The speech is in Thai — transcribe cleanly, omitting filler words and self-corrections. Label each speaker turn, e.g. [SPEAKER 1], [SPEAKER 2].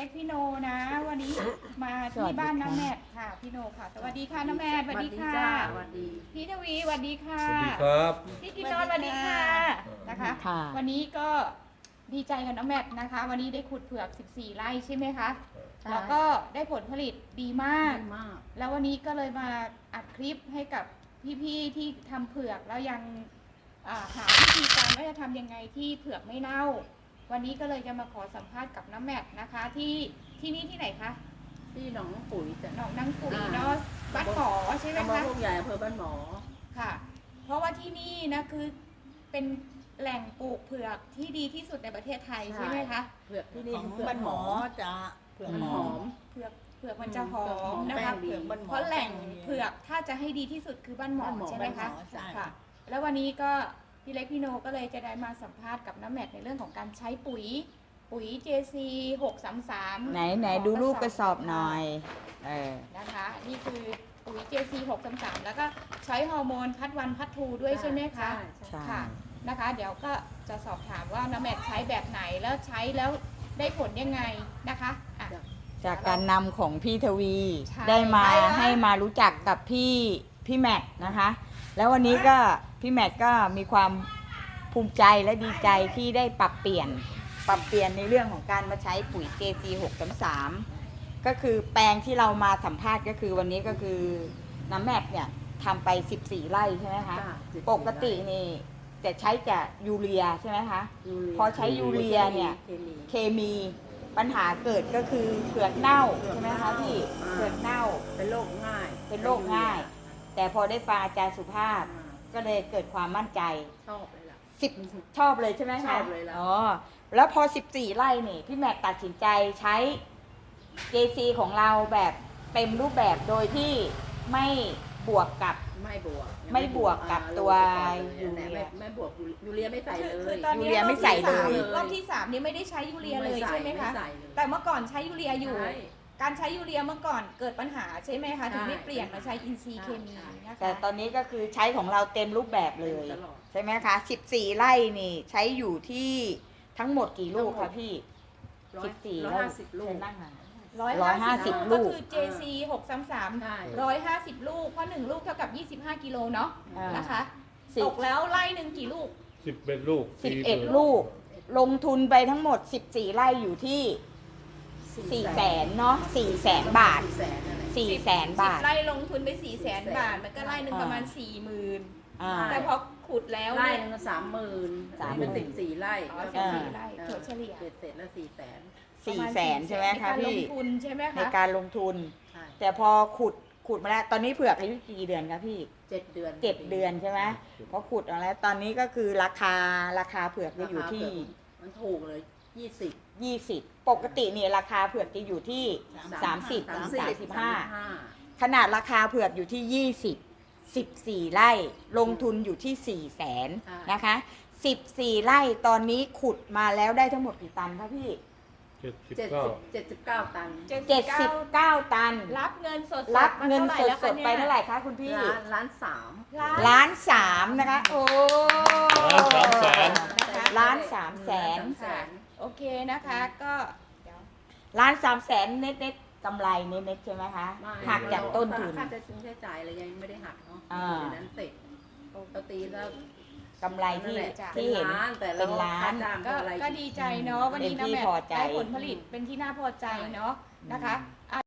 [SPEAKER 1] กพี่โนนะ วันนี้มาที่บ้านน้าแมทค่ะพี่โนค่ะสวัสดีค่ะน้าแมทสวัสดีค่ะ
[SPEAKER 2] สวัสดี
[SPEAKER 1] พี่ทวีสวัสดีค่ะ
[SPEAKER 3] สวัสดีครับ
[SPEAKER 1] พี่กินนอนสวัสดีค่ะนะคะ วันนี้ก็ดีใจกับน้าแมทนะคะ วันนี้ได้ขุดเผือก14ไร่ใช่ไหมคะแล้วก็ได้ผลผลิตดีมากแล้ววันนี้ก็เลยมาอัดคลิปให้กับพี่ๆที่ทำเผือกแล้วยังหาวิธีการว่าจะทำยังไงที่เผือกไม่เน่าวันนี้ก็เลยจะมาขอสัมภาษณ์กับน้าแมทนะคะที่นี่ที่ไหนคะ
[SPEAKER 2] ที่หนองปุ๋ยจ้ะ
[SPEAKER 1] หนองนางปุ๋ยเนาะบ้านหมอใช่ไหมคะ
[SPEAKER 2] พวกใหญ่อำเภอบ้านหมอ
[SPEAKER 1] ค่ะเพราะว่าที่นี่นะคือเป็นแหล่งปลูกเผือกที่ดีที่สุดในประเทศไทยใช่ไหมคะ
[SPEAKER 2] เผือกที่นี่
[SPEAKER 4] ของบ้านหมอจะเผือกหอม
[SPEAKER 1] เผือกมันจะหอมนะคะเพราะแหล่งเผือกถ้าจะให้ดีที่สุดคือบ้านหมอใช่ไหมคะค่ะแล้ววันนี้ก็พี่เล็กพี่โนก็เลยจะได้มาสัมภาษณ์กับน้าแมทในเรื่องของการใช้ปุ๋ย JC 633
[SPEAKER 4] ไหนดูรูปกระสอบหน่อย
[SPEAKER 1] นะคะนี่คือปุ๋ย JC 633แล้วก็ใช้ฮอร์โมนพัดวันพัดทูด้วยใช่ไหมคะ
[SPEAKER 4] ใช่
[SPEAKER 1] ค่ะนะคะเดี๋ยวก็จะสอบถามว่าน้าแมทใช้แบบไหนแล้วใช้แล้วได้ผลยังไงนะคะ
[SPEAKER 4] จากการนำของพี่ทวีได้มาให้มารู้จักกับพี่แมทนะคะแล้ววันนี้ก็พี่แมทก็มีความภูมิใจและดีใจที่ได้ปรับเปลี่ยนในเรื่องของการมาใช้ปุ๋ย JC 633ก็คือแปลงที่เรามาสัมภาษณ์ก็คือวันนี้ก็คือน้ำแมทเนี่ยทำไป14ไร่ใช่ไหมคะปกตินี่จะใช้แต่ยูเรียใช่ไหมคะพอใช้ยูเรียเนี่ยเคมีปัญหาเกิดก็คือเผือกเน่าใช่ไหมคะพี่เผือกเน่า
[SPEAKER 2] เป็นโรคง่าย
[SPEAKER 4] แต่พอได้ฟังอาจารย์สุภาพก็เลยเกิดความมั่นใจ
[SPEAKER 2] ชอบเลยล่ะ
[SPEAKER 4] ชอบเลยใช่ไหมคะ
[SPEAKER 2] ชอบเลยล่ะ
[SPEAKER 4] แล้วพอ14ไร่นี่พี่แมทตัดสินใจใช้ JC ของเราแบบเต็มรูปแบบโดยที่ไม่บวกกับตัวยูเรีย
[SPEAKER 2] ไม่บวกยูเรียไม่ใส่เลย
[SPEAKER 1] คือตอนนี้
[SPEAKER 4] ไม่ใส่เลย
[SPEAKER 1] รอบที่3นี้ไม่ได้ใช้ยูเรียเลยใช่ไหมคะแต่เมื่อก่อนใช้ยูเรียอยู่การใช้ยูเรียเมื่อก่อนเกิดปัญหาใช่ไหมคะถึงได้เปลี่ยนมาใช้อินทรีย์เคมีนะคะ
[SPEAKER 4] แต่ตอนนี้ก็คือใช้ของเราเต็มรูปแบบเลยใช่ไหมคะ14ไร่นี่ใช้อยู่ที่ทั้งหมดกี่ลูกคะพี่
[SPEAKER 2] 150 ลูก
[SPEAKER 1] 150 ลูกก็คือ JC 633 150 ลูกเพราะ1ลูกเท่ากับ25กิโลเนาะนะคะตกแล้วไร่หนึ่งกี่ลูก
[SPEAKER 3] 11ลูก
[SPEAKER 4] 11ลูกลงทุนไปทั้งหมด14ไร่อยู่ที่400,000เนาะ400,000 บาท400,000 บาท
[SPEAKER 1] 10ไร่ลงทุนไป400,000 บาทมันก็ไร่หนึ่งประมาณ 40,000แต่พอขุดแล้ว
[SPEAKER 2] ไร่นึง30,000เป็น14ไร่
[SPEAKER 1] 14ไร่ถั่วเฉลี่ย
[SPEAKER 2] เสร็จแล้ว
[SPEAKER 4] 400,000ใช่ไหมคะพี่
[SPEAKER 1] ในการลงทุนใช่ไหมคะ
[SPEAKER 4] ในการลงทุนแต่พอขุดมาแล้วตอนนี้เผือกอายุกี่เดือนคะพี่
[SPEAKER 2] 7 เดือน
[SPEAKER 4] 7 เดือนใช่ไหมพอขุดมาแล้วตอนนี้ก็คือราคาเผือกจะอยู่ที่
[SPEAKER 2] มันถูกเลย
[SPEAKER 4] 20ปกติเนี่ยราคาเผือกจะอยู่ที่30 ถึง 35ขนาดราคาเผือกอยู่ที่14ไร่ลงทุนอยู่ที่400,000นะคะ14ไร่ตอนนี้ขุดมาแล้วได้ทั้งหมดกี่ตันคะพี่
[SPEAKER 2] 79 ตัน
[SPEAKER 4] 79 ตัน
[SPEAKER 1] รับเงินสด
[SPEAKER 4] ไปเท่าไหร่คะคุณพี่
[SPEAKER 2] 1.3
[SPEAKER 4] ล้าน 3นะคะโอ้1,300,000
[SPEAKER 1] โอเคนะคะก็
[SPEAKER 4] 1,300,000เน็ตกำไรเน็ตใช่ไหมคะหักจากต้นทุน
[SPEAKER 2] ค่าใช้จ่ายอะไรยังไม่ได้หักเนาะนั้นเสร็จปกติแล้ว
[SPEAKER 4] กำไรที่เห็นเป็นล้าน
[SPEAKER 1] ก็ดีใจเนาะวันนี้น้าแมทได้ผลผลิตเป็นที่น่าพอใจเนาะนะคะ